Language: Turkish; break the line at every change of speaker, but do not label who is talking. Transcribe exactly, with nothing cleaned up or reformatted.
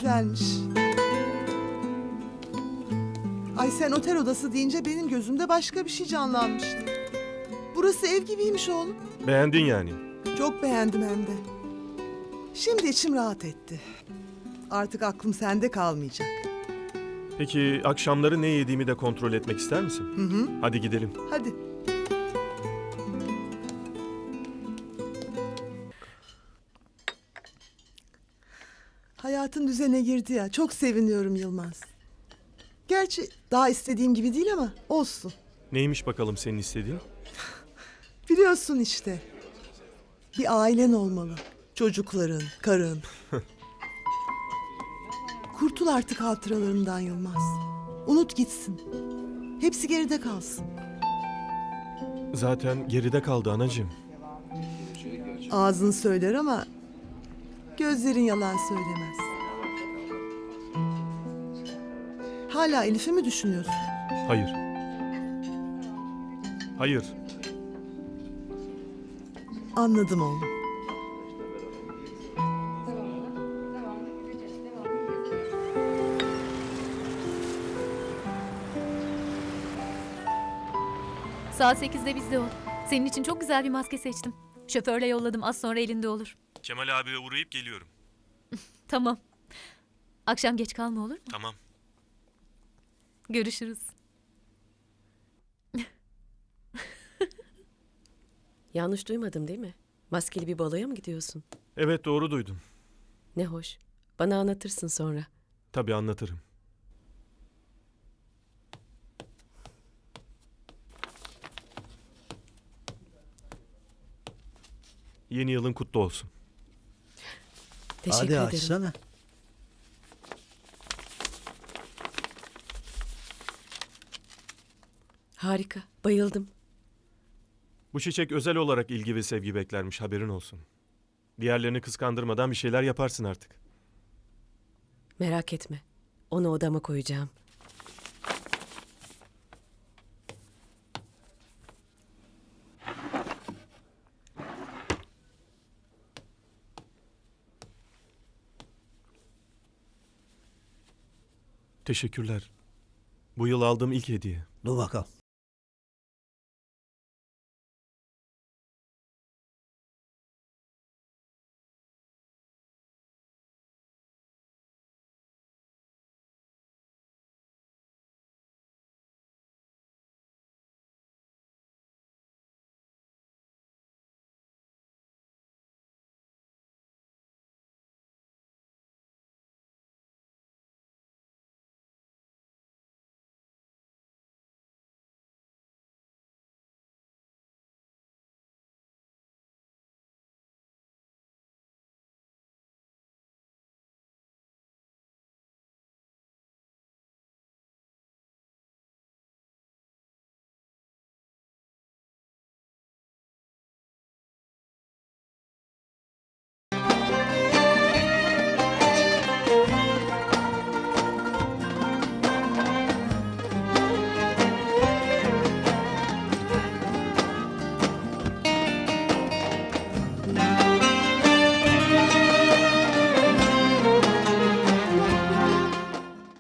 güzelmiş. Ay sen otel odası deyince benim gözümde başka bir şey canlanmıştı. Burası ev gibiymiş oğlum.
Beğendin yani.
Çok beğendim hem de. Şimdi içim rahat etti. Artık aklım sende kalmayacak.
Peki akşamları ne yediğimi de kontrol etmek ister misin?
Hı hı.
Hadi gidelim.
Hadi. Hayatın düzene girdi ya. Çok seviniyorum Yılmaz. Gerçi daha istediğim gibi değil ama olsun.
Neymiş bakalım senin istediğin?
Biliyorsun işte. Bir ailen olmalı. Çocukların, karın. Kurtul artık hatıralarından Yılmaz. Unut gitsin. Hepsi geride kalsın.
Zaten geride kaldı anacığım.
Ağzın söyler ama gözlerin yalan söylemez. Hala Elif'i mi düşünüyorsun?
Hayır. Hayır.
Anladım oğlum.
Saat sekizde bizde ol. Senin için çok güzel bir maske seçtim. Şoförle yolladım, az sonra elinde olur.
Kemal abiye uğrayıp geliyorum.
Tamam. Akşam geç kalma, olur mu?
Tamam.
Görüşürüz.
Yanlış duymadım değil mi? Maskeli bir baloya mı gidiyorsun?
Evet doğru duydun.
Ne hoş. Bana anlatırsın sonra.
Tabii anlatırım. Yeni yılın kutlu olsun.
Teşekkür
Hadi
ederim.
açsana.
Harika. Bayıldım.
Bu çiçek özel olarak ilgi ve sevgi beklermiş, haberin olsun. Diğerlerini kıskandırmadan bir şeyler yaparsın artık.
Merak etme. Onu odama koyacağım.
Teşekkürler. Bu yıl aldığım ilk hediye.
Dur bakalım.